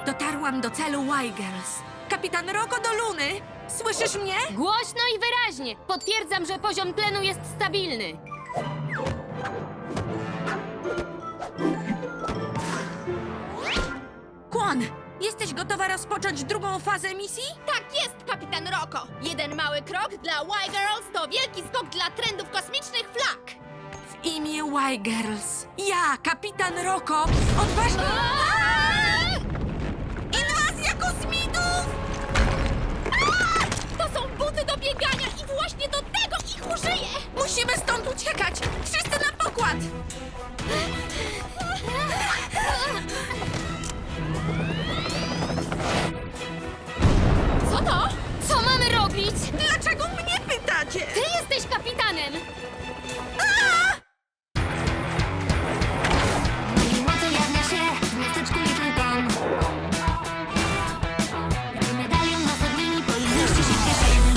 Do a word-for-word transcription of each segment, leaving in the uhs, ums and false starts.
Dotarłam do celu Y-Girls. Kapitan Roko do Luny! Słyszysz mnie? Głośno i wyraźnie. Potwierdzam, że poziom tlenu jest stabilny. Kwon, jesteś gotowa rozpocząć drugą fazę misji? Tak jest, kapitan Roko! Jeden mały krok dla Y-Girls to wielki skok dla trendów kosmicznych flag! W imię Y-Girls. Ja, kapitan Roko, odważnie... Inwazja kosmitów! To są buty do biegania i właśnie do tego ich użyję! Musimy stąd uciekać! Wszyscy na pokład! Co to? Co mamy robić? Dlaczego mnie pytacie? Ty jesteś kapitanem! Mocy jawnia się w miasteczku Little Town. Gdy medalion na zadnimi powinności się w kieszeni.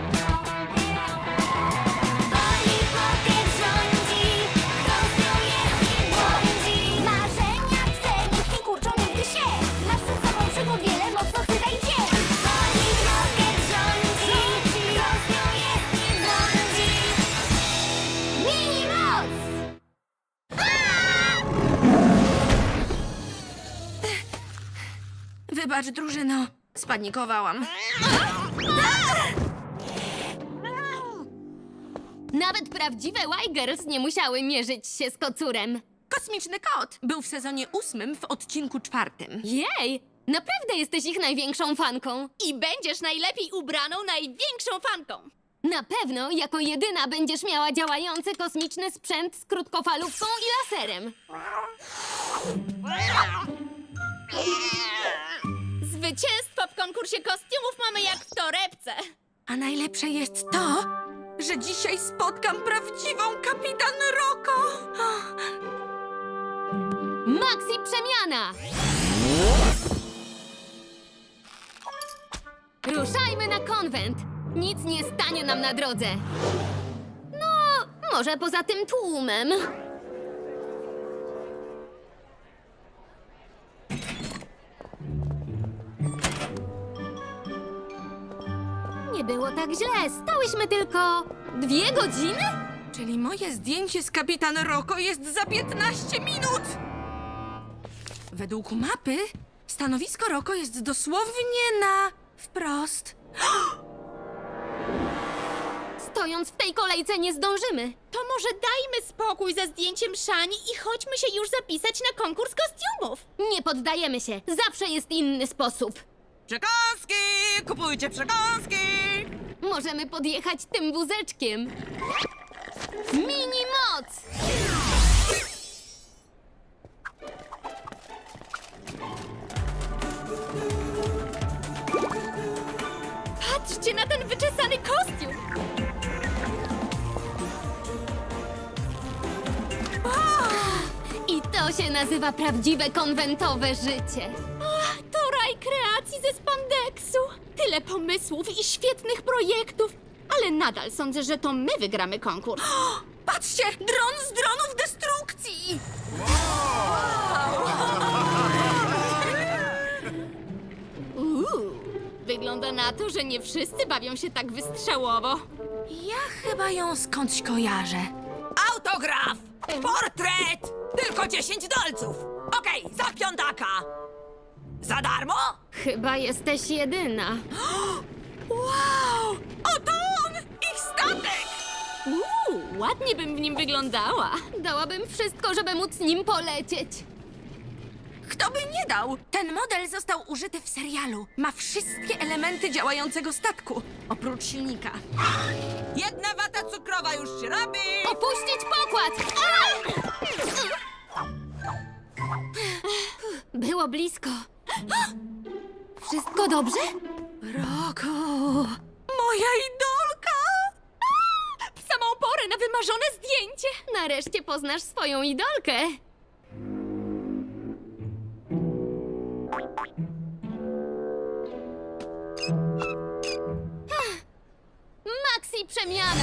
Polly Pocket rządzi, kto z nią jest i błądzi. Marzenia twe nikt nie kurczą nigdy się. Masz przed sobą przygód wiele, mocno chwytaj cię. Polly Pocket rządzi, kto z nią jest i błądzi. Mini moc! Wybacz, drużyno. Spanikowałam. Nawet prawdziwe Y-Girls nie musiały mierzyć się z kocurem. Kosmiczny kot był w sezonie ósmym w odcinku czwartym. Jej! Naprawdę jesteś ich największą fanką. I będziesz najlepiej ubraną, największą fanką! Na pewno jako jedyna będziesz miała działający kosmiczny sprzęt z krótkofalówką i laserem. Zwycięstwo w konkursie kostiumów mamy jak w torebce! A najlepsze jest to, że dzisiaj spotkam prawdziwą kapitan Roko. Maxi przemiana! Ruszajmy na konwent. Nic nie stanie nam na drodze. No, może poza tym tłumem. Nie było tak źle. Stałyśmy tylko dwie godziny? Czyli moje zdjęcie z kapitan Roko jest za piętnaście minut. Według mapy stanowisko Roko jest dosłownie na wprost. Stojąc w tej kolejce nie zdążymy. To może dajmy spokój ze zdjęciem Szani i chodźmy się już zapisać na konkurs kostiumów! Nie poddajemy się. Zawsze jest inny sposób. Przekąski! Kupujcie przekąski! Możemy podjechać tym wózeczkiem. Mini moc! Patrzcie na ten wyczesany kostium! I to się nazywa prawdziwe konwentowe życie. Ach, to raj kreacji ze spandeksu! Tyle pomysłów i świetnych projektów! Ale nadal sądzę, że to my wygramy konkurs. Patrzcie! Dron z dronów destrukcji! Uuu, wygląda na to, że nie wszyscy bawią się tak wystrzałowo. Ja chyba ją skądś kojarzę. Autograf! Portret! Tylko dziesięć dolców! Okej, za piątaka! Za darmo? Chyba jesteś jedyna. Wow! Oto on! Ich statek! Uuu, ładnie bym w nim wyglądała. Dałabym wszystko, żeby móc nim polecieć. Kto by nie dał? Ten model został użyty w serialu. Ma wszystkie elementy działającego statku, oprócz silnika. Jedna wata cukrowa już się robi! Opuścić pokład! Było blisko. Wszystko dobrze? Roko! Moja idolka! W samą porę na wymarzone zdjęcie. Nareszcie poznasz swoją idolkę. Ach, Maxi przemiana!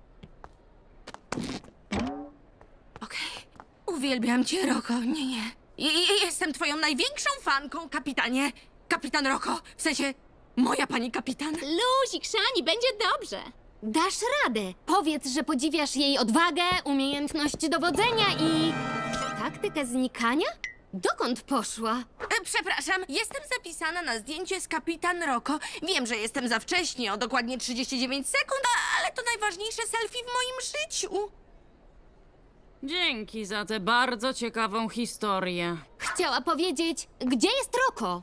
Okej, uwielbiam cię, Roko. Nie, nie. I, i jestem twoją największą fanką, kapitanie. Kapitan Roko, w sensie moja pani kapitan. Luzik, Szani, będzie dobrze. Dasz radę. Powiedz, że podziwiasz jej odwagę, umiejętność dowodzenia i... taktykę znikania? Dokąd poszła? E, przepraszam, jestem zapisana na zdjęcie z kapitan Roko. Wiem, że jestem za wcześnie, o dokładnie trzydzieści dziewięć sekund, a- ale to najważniejsze selfie w moim życiu. Dzięki za tę bardzo ciekawą historię. Chciała powiedzieć, gdzie jest Roko?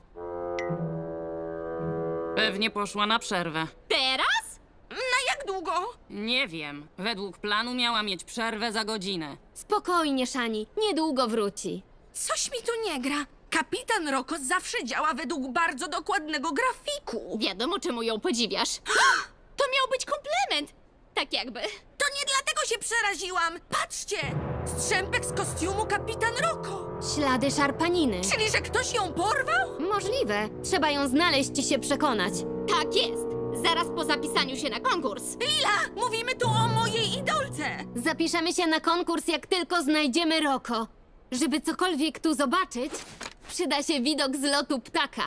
Pewnie poszła na przerwę. Teraz? Na jak długo? Nie wiem. Według planu miała mieć przerwę za godzinę. Spokojnie, Szani, niedługo wróci. Coś mi tu nie gra. Kapitan Roko zawsze działa według bardzo dokładnego grafiku. Wiadomo, czemu ją podziwiasz. To miał być komplement. Tak jakby. To nie dlatego się przeraziłam. Patrzcie! Strzępek z kostiumu kapitan Roko. Ślady szarpaniny. Czyli, że ktoś ją porwał? Możliwe. Trzeba ją znaleźć i się przekonać. Tak jest. Zaraz po zapisaniu się na konkurs. Lila, mówimy tu o mojej idolce. Zapiszemy się na konkurs, jak tylko znajdziemy Roko. Żeby cokolwiek tu zobaczyć, przyda się widok z lotu ptaka.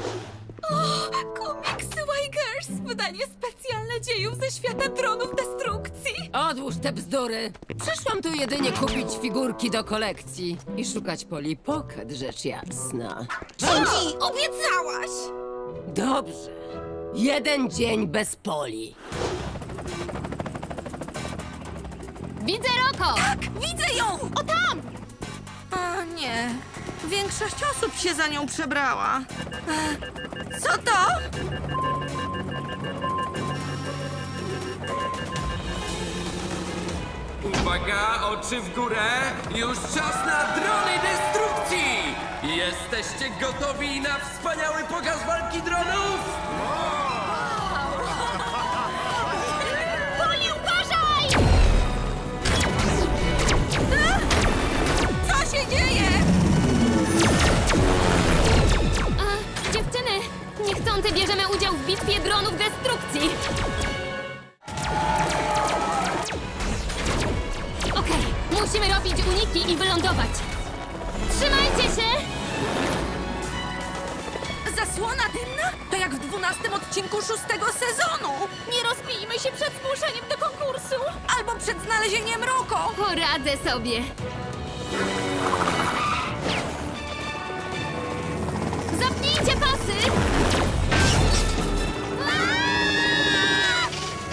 Komiksy Y-Girls, wydanie specjalne dziejów ze świata dronów destrukcji. Odłóż te bzdury. Przyszłam tu jedynie kupić figurki do kolekcji i szukać Polly Pocket, rzecz jasna. Dzięki, obiecałaś. Dobrze. Jeden dzień bez Poli. Widzę Roko! Tak, widzę ją! O tam! A nie, większość osób się za nią przebrała. E, Co to? Uwaga, oczy w górę! Już czas na drony destrukcji! Jesteście gotowi na wspaniały pokaz walki dronów? Poli, uważaj! Co się dzieje? A, dziewczyny, niechcący bierzemy udział w bitwie dronów destrukcji. Okej, musimy robić uniki i wylądować. Trzymajcie się! Zasłona dymna? To jak w dwunastym odcinku szóstego sezonu. Nie rozbijmy się przed zgłoszeniem do konkursu. Albo przed znalezieniem Roko. Poradzę sobie. Zapnijcie pasy! Aaa!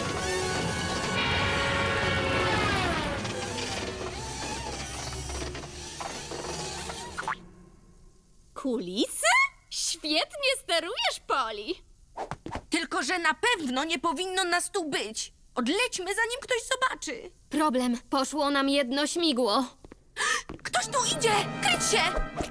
Kulisy? Świetnie sterujesz, Poli. Tylko, że na pewno nie powinno nas tu być. Odlećmy, zanim ktoś zobaczy. Problem, poszło nam jedno śmigło. Ktoś tu idzie! Kryć się!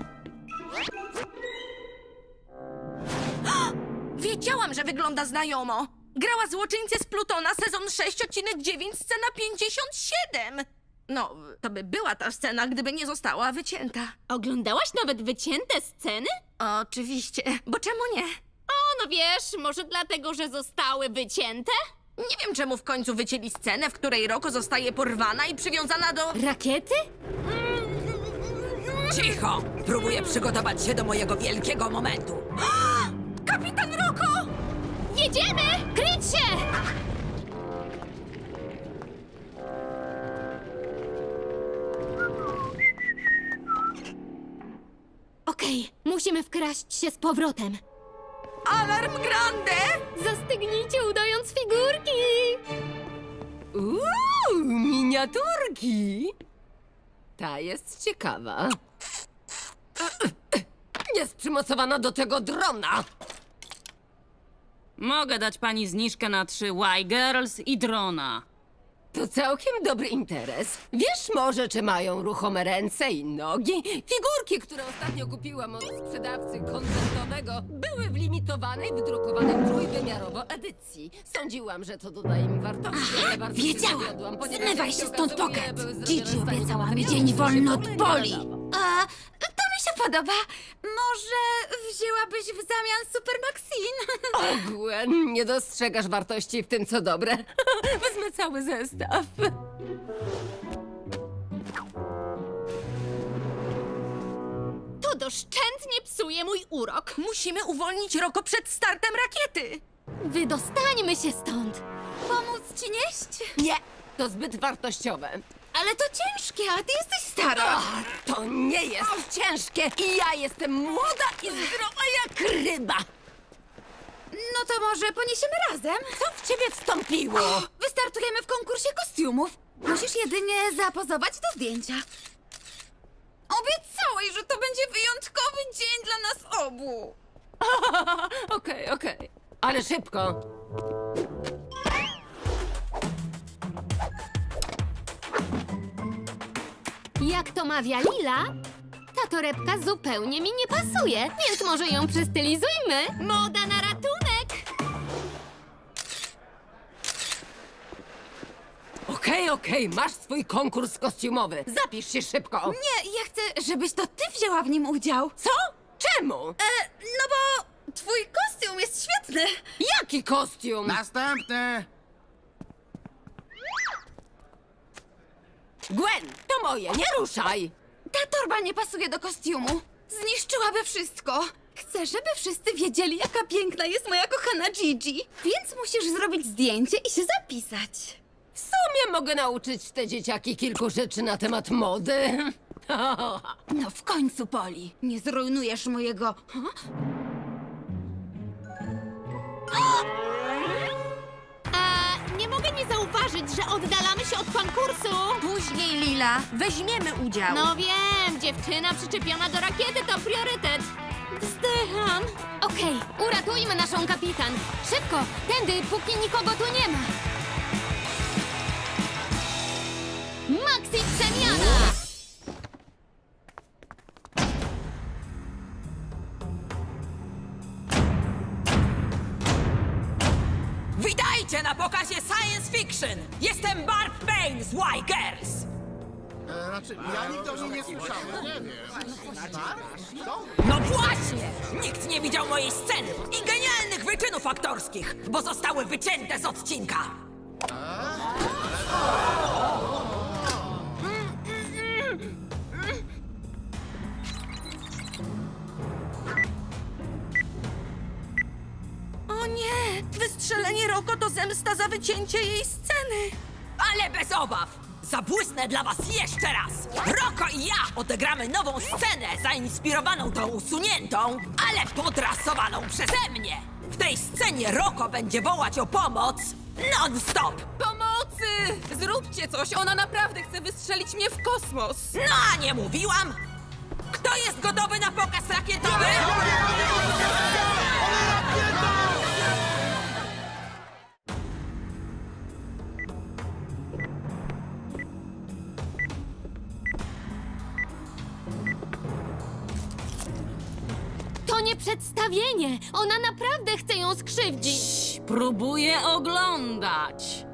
Wiedziałam, że wygląda znajomo. Grała złoczyńcę z Plutona, sezon sześć, odcinek dziewięć, scena pięćdziesiąt siedem. No, to by była ta scena, gdyby nie została wycięta. Oglądałaś nawet wycięte sceny? Oczywiście, bo czemu nie? O, no wiesz, może dlatego, że zostały wycięte? Nie wiem, czemu w końcu wycięli scenę, w której Roko zostaje porwana i przywiązana do... Rakiety? Cicho! Próbuję przygotować się do mojego wielkiego momentu. Kapitan Roko! Jedziemy! Kryć się! Okej, musimy wkraść się z powrotem. Alarm Grande! Zastygnijcie, udając figurki! Uuu, miniaturki! Ta jest ciekawa. Jest przymocowana do tego drona. Mogę dać pani zniżkę na trzy Y-Girls i drona. To całkiem dobry interes. Wiesz może, czy mają ruchome ręce i nogi? Figurki, które ostatnio kupiłam od sprzedawcy koncertowego, były w limitowanej, wydrukowanej trójwymiarowo edycji. Sądziłam, że to doda im wartości, ale bardzo się wiedziałam. zawiodłam, ponieważ Zmywaj jak się stąd, okazuje, Pocket. były zrobione Gigi z takich obiecała mi materiałów, dzień że się wolny w od ogóle nie Poli. nadawał. A, to mi się podoba. Może wzięłabyś w zamian Super Maxine? Gwen, nie dostrzegasz wartości w tym, co dobre. Wezmę cały zestaw. doszczętnie psuje mój urok. Musimy uwolnić Roko przed startem rakiety. Wydostańmy się stąd. Pomóc ci nieść? Nie, to zbyt wartościowe. Ale to ciężkie, a ty jesteś stara. Ach, to nie jest ciężkie i ja jestem młoda i zdrowa jak ryba. No to może poniesiemy razem? Co w ciebie wstąpiło? Wystartujemy w konkursie kostiumów. Musisz jedynie zapozować do zdjęcia. Obiecałeś, że to będzie wyjątkowy dzień dla nas obu. Okej, okej. Ale szybko. Jak to mawia Lila, ta torebka zupełnie mi nie pasuje, więc może ją przystylizujmy. Moda na ratunek! Okej, okej, masz swój konkurs kostiumowy. Zapisz się szybko. Nie, ja chcę, żebyś to ty wzięła w nim udział. Co? Czemu? E, no bo twój kostium jest świetny. Jaki kostium? Następny! Gwen, to moje, nie ruszaj. Ta torba nie pasuje do kostiumu. Zniszczyłaby wszystko. Chcę, żeby wszyscy wiedzieli, jaka piękna jest moja kochana Gigi. Więc musisz zrobić zdjęcie i się zapisać. W sumie mogę nauczyć te dzieciaki kilku rzeczy na temat mody. No w końcu, Poli. Nie zrujnujesz mojego... A nie mogę nie zauważyć, że oddalamy się od konkursu. Później, Lila, weźmiemy udział. No wiem, dziewczyna przyczepiona do rakiety to priorytet. Wzdycham. Okej, uratujmy naszą kapitan. Szybko, tędy, póki nikogo tu nie ma. Maxi przemiana! Witajcie na pokazie Science Fiction! Jestem Barb Payne z Y-Girls! E, znaczy, ja nigdy o nim nie słyszałem. Nie wiem. No właśnie! Nikt nie widział mojej sceny i genialnych wyczynów aktorskich, bo zostały wycięte z odcinka! O nie! Wystrzelenie Roko to zemsta za wycięcie jej sceny. Ale bez obaw! Zabłysnę dla was jeszcze raz! Roko i ja odegramy nową scenę zainspirowaną tą usuniętą, ale podrasowaną przeze mnie! W tej scenie Roko będzie wołać o pomoc non-stop! Pomocy! Zróbcie coś, ona naprawdę chce wystrzelić mnie w kosmos. No a nie mówiłam? Kto jest gotowy na pokaz rakietowy? To nie przedstawienie! Ona naprawdę chce ją skrzywdzić! Próbuję oglądać.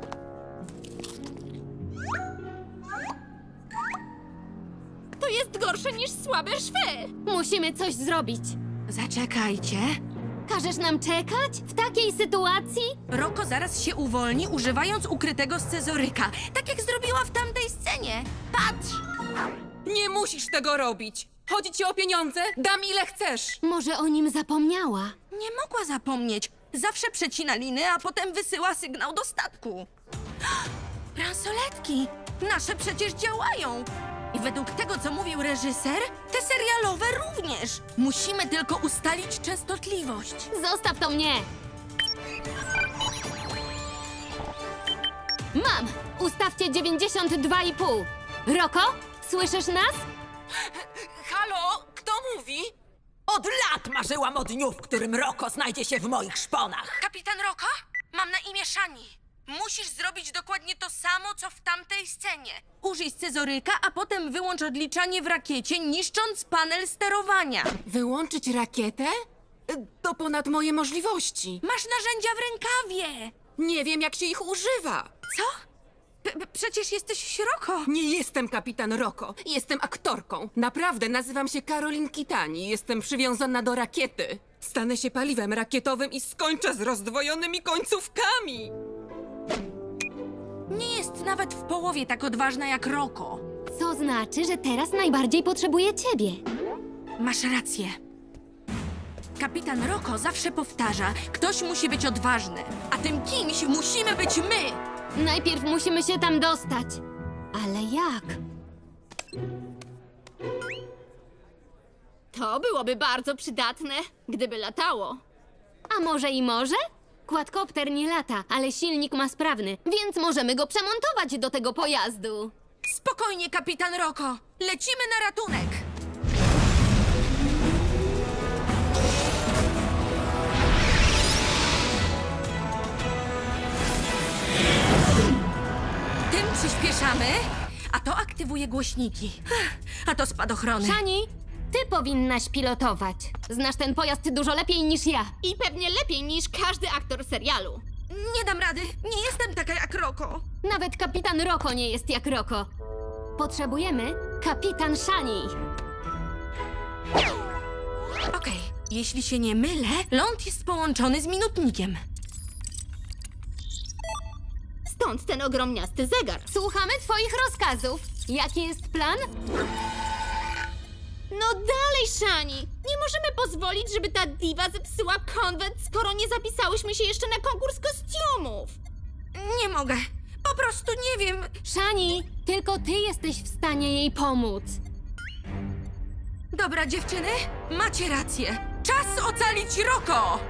To jest gorsze niż słabe szwy. Musimy coś zrobić. Zaczekajcie. Każesz nam czekać w takiej sytuacji? Roko zaraz się uwolni, używając ukrytego scyzoryka. Tak jak zrobiła w tamtej scenie. Patrz! Nie musisz tego robić. Chodzi ci o pieniądze? Dam ile chcesz. Może o nim zapomniała? Nie mogła zapomnieć. Zawsze przecina liny, a potem wysyła sygnał do statku. Bransoletki! Nasze przecież działają! I według tego, co mówił reżyser, te serialowe również. Musimy tylko ustalić częstotliwość. Zostaw to mnie! Mam! Ustawcie dziewięćdziesiąt dwa i pół. Roko, słyszysz nas? Halo? Kto mówi? Od lat marzyłam o dniu, w którym Roko znajdzie się w moich szponach. Kapitan Roko? Mam na imię Shani. Musisz zrobić dokładnie to samo, co w tamtej scenie. Użyj scyzoryka, a potem wyłącz odliczanie w rakiecie, niszcząc panel sterowania. Wyłączyć rakietę? Y, To ponad moje możliwości. Masz narzędzia w rękawie. Nie wiem, jak się ich używa. Co? P- p- przecież jesteś Roko. Nie jestem kapitan Roko. Jestem aktorką. Naprawdę nazywam się Karolin Kitani. Jestem przywiązana do rakiety. Stanę się paliwem rakietowym i skończę z rozdwojonymi końcówkami. Nie jest nawet w połowie tak odważna jak Roko. Co znaczy, że teraz najbardziej potrzebuje ciebie. Masz rację. Kapitan Roko zawsze powtarza, ktoś musi być odważny, a tym kimś musimy być my. Najpierw musimy się tam dostać. Ale jak? To byłoby bardzo przydatne, gdyby latało. A może i może? Quadcopter nie lata, ale silnik ma sprawny, więc możemy go przemontować do tego pojazdu. Spokojnie, kapitan Roko. Lecimy na ratunek. Tym przyspieszamy, a to aktywuje głośniki. A to spadochrony. Shani, ty powinnaś pilotować. Znasz ten pojazd dużo lepiej niż ja. I pewnie lepiej niż każdy aktor serialu. Nie dam rady. Nie jestem taka jak Roko. Nawet kapitan Roko nie jest jak Roko. Potrzebujemy kapitan Shani. Okej, jeśli się nie mylę, ląd jest połączony z minutnikiem. Stąd ten ogromniasty zegar. Słuchamy twoich rozkazów. Jaki jest plan? No dalej, Shani! Nie możemy pozwolić, żeby ta diwa zepsuła konwent, skoro nie zapisałyśmy się jeszcze na konkurs kostiumów. Nie mogę. Po prostu nie wiem. Shani, tylko ty jesteś w stanie jej pomóc. Dobra, dziewczyny, macie rację. Czas ocalić Roko!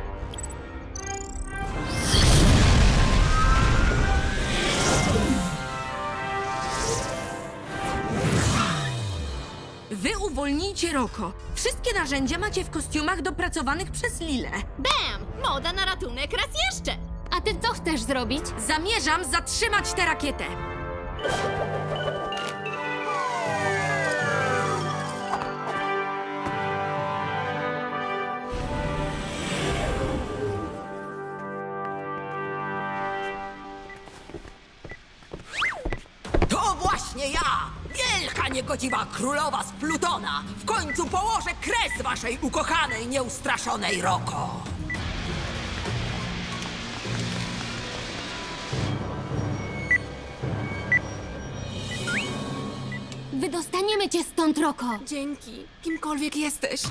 Wy uwolnijcie Roko. Wszystkie narzędzia macie w kostiumach dopracowanych przez Lilę. Bam! Moda na ratunek raz jeszcze! A ty co chcesz zrobić? Zamierzam zatrzymać tę rakietę. To właśnie ja! Wielka niegodziwa królowa z Plutona! W końcu położę kres waszej ukochanej, nieustraszonej Roko! Wydostaniemy cię stąd, Roko. Dzięki, kimkolwiek jesteś.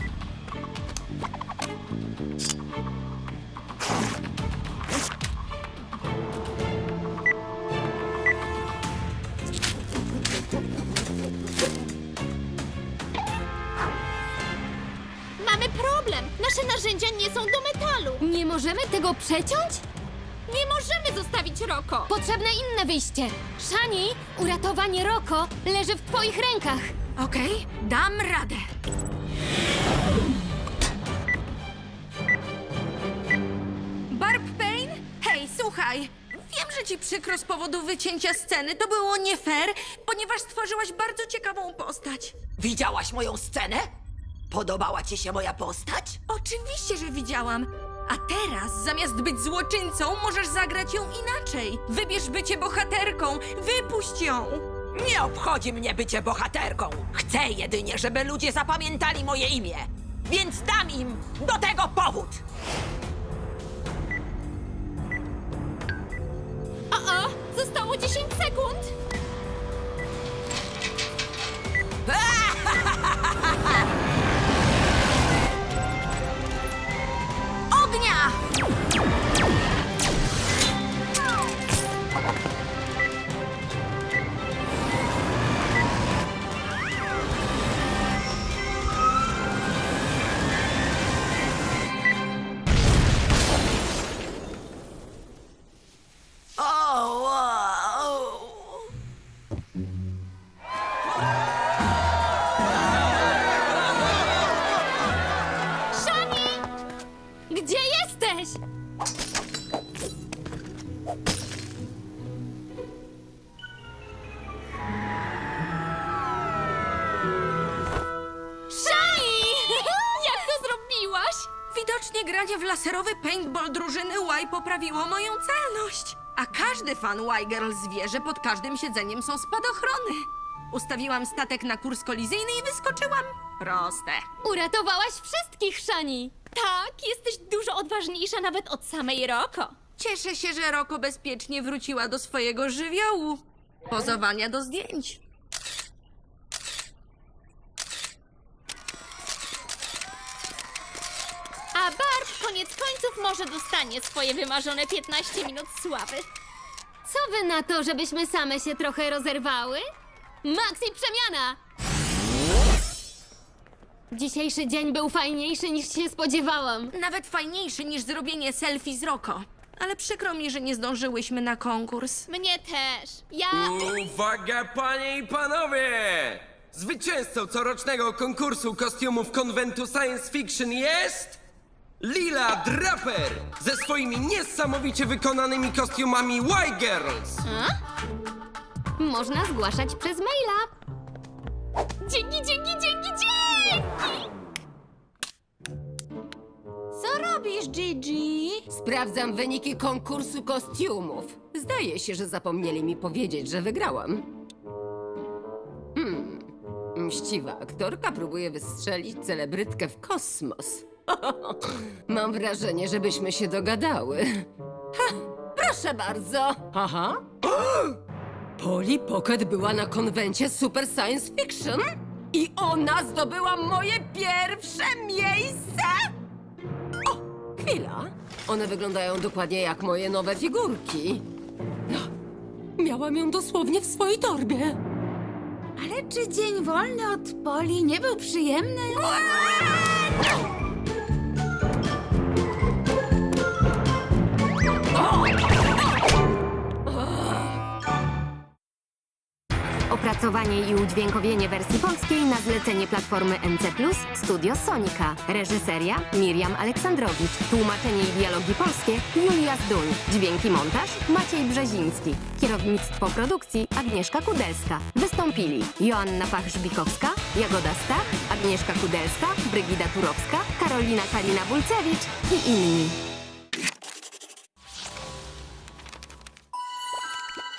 Mamy problem! Nasze narzędzia nie są do metalu! Nie możemy tego przeciąć? Nie możemy zostawić Roko! Potrzebne inne wyjście! Shani, uratowanie Roko leży w twoich rękach! Okej, dam radę. Barb Payne? Hej, słuchaj. Wiem, że ci przykro z powodu wycięcia sceny. To było nie fair, ponieważ stworzyłaś bardzo ciekawą postać. Widziałaś moją scenę? Podobała ci się moja postać? Oczywiście, że widziałam. A teraz, zamiast być złoczyńcą, możesz zagrać ją inaczej. Wybierz bycie bohaterką. Wypuść ją. Nie obchodzi mnie bycie bohaterką. Chcę jedynie, żeby ludzie zapamiętali moje imię. Więc dam im do tego powód. O, o! Zostało dziesięć sekund! Ognia! O, wow. Shani! Gdzie jesteś? Shani! Jak to zrobiłaś? Widocznie granie w laserowy paintball drużyny Y poprawiło moją celność. A każdy fan Y-Girls wie, że pod każdym siedzeniem są spadochrony. Ustawiłam statek na kurs kolizyjny i wyskoczyłam. Proste. Uratowałaś wszystkich, Shani! Tak, jesteś dużo odważniejsza nawet od samej Roko. Cieszę się, że Roko bezpiecznie wróciła do swojego żywiołu. Pozowania do zdjęć. koniec końców może dostanie swoje wymarzone piętnaście minut sławy. Co wy na to, żebyśmy same się trochę rozerwały? Maxi przemiana! Dzisiejszy dzień był fajniejszy niż się spodziewałam. Nawet fajniejszy niż zrobienie selfie z Roko. Ale przykro mi, że nie zdążyłyśmy na konkurs. Mnie też. Ja... Uwaga, panie i panowie! Zwycięzcą corocznego konkursu kostiumów konwentu Science Fiction jest... Lila Draper! Ze swoimi niesamowicie wykonanymi kostiumami Y-Girls! Można zgłaszać przez maila. Dzięki, dzięki, dzięki, dzięki! Co robisz, Gigi? Sprawdzam wyniki konkursu kostiumów. Zdaje się, że zapomnieli mi powiedzieć, że wygrałam. Hmm. Mściwa aktorka próbuje wystrzelić celebrytkę w kosmos. Mam wrażenie, żebyśmy się dogadały. Ha, proszę bardzo. Aha. Polly Pocket była na konwencie Super Science Fiction i ona zdobyła moje pierwsze miejsce! O, chwila. One wyglądają dokładnie jak moje nowe figurki. No, miałam ją dosłownie w swojej torbie. Ale czy dzień wolny od Poli nie był przyjemny? Opracowanie i udźwiękowienie wersji polskiej na zlecenie platformy N C plus, Studio Sonika. Reżyseria Miriam Aleksandrowicz. Tłumaczenie i dialogi polskie Julia Zduń. Dźwięki montaż Maciej Brzeziński. Kierownictwo produkcji Agnieszka Kudelska. Wystąpili Joanna Pach-Żbikowska, Jagoda Stach, Agnieszka Kudelska, Brygida Turowska, Karolina Kalina-Bulcewicz i inni.